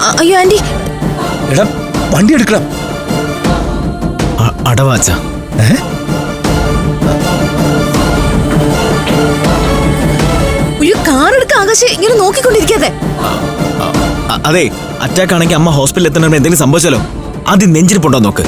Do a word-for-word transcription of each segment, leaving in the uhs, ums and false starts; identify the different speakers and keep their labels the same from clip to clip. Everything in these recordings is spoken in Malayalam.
Speaker 1: അയ്യോ ആന്റി.
Speaker 2: എടാ വണ്ടി എടുക്കണം.
Speaker 3: അടവാച്ച
Speaker 1: ഒരു കാർ എടുക്ക ആകാശ്, ഇങ്ങനെ നോക്കിക്കൊണ്ടിരിക്കാതെ.
Speaker 3: അതെ, അറ്റാക്ക് ആണെങ്കിൽ അമ്മ ഹോസ്പിറ്റലിൽ എത്തണമെന്ന് എന്തെങ്കിലും സംഭവിച്ചാലോ? ആദ്യം നെഞ്ചിരിപ്പുണ്ടോ നോക്ക്.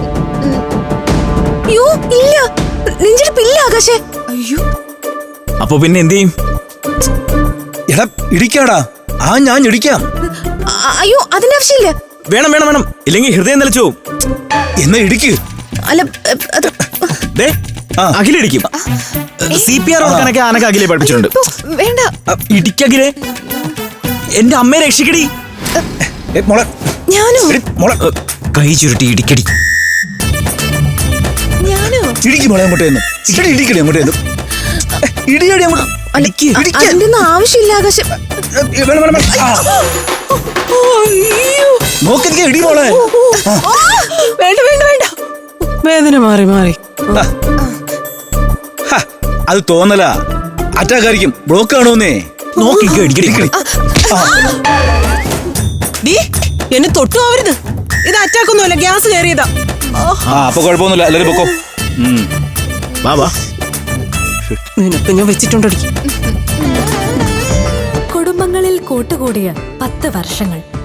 Speaker 1: അയ്യോ ഇല്ല, നെഞ്ചിരിപ്പില്ല ആകാശേ. അയ്യോ
Speaker 3: അപ്പൊ പിന്നെ എന്ത് ചെയ്യും?
Speaker 2: എടാ ഇടിക്കാടാ. ആ ഞാൻ ഇടിക്കാം.
Speaker 1: അയ്യോ അതിന്റെ ആവശ്യമില്ല.
Speaker 3: വേണം വേണം വേണം, ഇല്ലെങ്കിൽ ഹൃദയം നിലച്ചു പോവും.
Speaker 2: എന്നാ ഇടിക്ക്.
Speaker 1: അല്ല
Speaker 3: അഖിലിടിക്കും. സി പി ആർ കൊടുക്കാനൊക്കെ ആനക്ക് അഖിലെ പഠിപ്പിച്ചിട്ടുണ്ട്.
Speaker 1: വേണ്ട
Speaker 3: ഇടിക്കഖിലെ, എന്റെ അമ്മയെ രക്ഷിക്കടി.
Speaker 1: ഞാനോ?
Speaker 3: കൈ ചുരുട്ടി ഇടിക്കടി.
Speaker 1: ഞാനോ?
Speaker 2: ഇടിക്ക് മോളെ അങ്ങോട്ടേന്ന്. ഇടി ഇടിക്കടി അങ്ങോട്ടേന്ന്. ഇടിയടി അങ്ങോട്ട്.
Speaker 1: അതിന്റെ ഒന്നും ആവശ്യമില്ല ആകാശം.
Speaker 2: നോക്കിരിക്ക ഇടി മോളെ.
Speaker 1: വേണ്ട വേണ്ട വേണ്ട,
Speaker 4: വേദന മാറി മാറി.
Speaker 2: അത് തോന്നല. അറ്റാക്ക് ആയിരിക്കും, ബ്ലോക്ക് ആണോന്നേ.
Speaker 3: നോക്കിക്കോ ഇടിക്കടി.
Speaker 4: എന്നെ തൊട്ടു ആവരുത്. ഇത് അറ്റാക്ക് ഒന്നുമല്ല, ഗ്യാസ് കയറിയതാ.
Speaker 2: ആ അപ്പൊ കുഴപ്പമൊന്നുമില്ല, എല്ലാരും പൊക്കോ.
Speaker 3: വാ വാ.
Speaker 4: നിനക്ക് ഞാൻ വെച്ചിട്ടുണ്ടോ?
Speaker 5: കുടുംബങ്ങളിൽ കൂട്ടുകൂടിയ പത്ത് വർഷങ്ങൾ.